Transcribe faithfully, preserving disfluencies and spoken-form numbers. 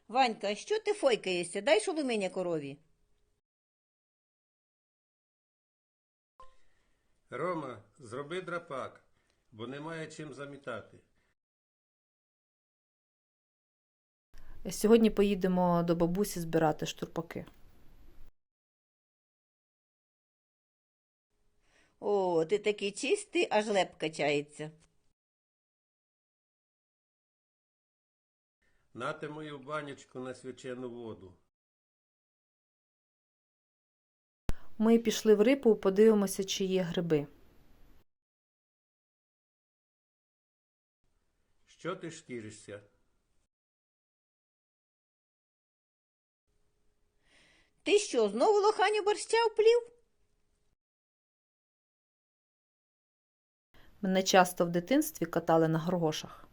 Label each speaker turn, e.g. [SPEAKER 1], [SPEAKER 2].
[SPEAKER 1] Ванька, що ти фойкаєшся? Дай шоломиня корові.
[SPEAKER 2] Рома, зроби драпак, бо немає чим замітати.
[SPEAKER 3] Сьогодні поїдемо до бабусі збирати штурпаки.
[SPEAKER 1] О, ти такий чистий, аж леп качається.
[SPEAKER 2] Нате мою банячку на свячену воду.
[SPEAKER 3] Ми пішли в Рипу, подивимося, чи є гриби.
[SPEAKER 2] Що ти шкіришся?
[SPEAKER 1] Ти що, знову лоханю борща вплів?
[SPEAKER 3] Мене часто в дитинстві катали на горгошах.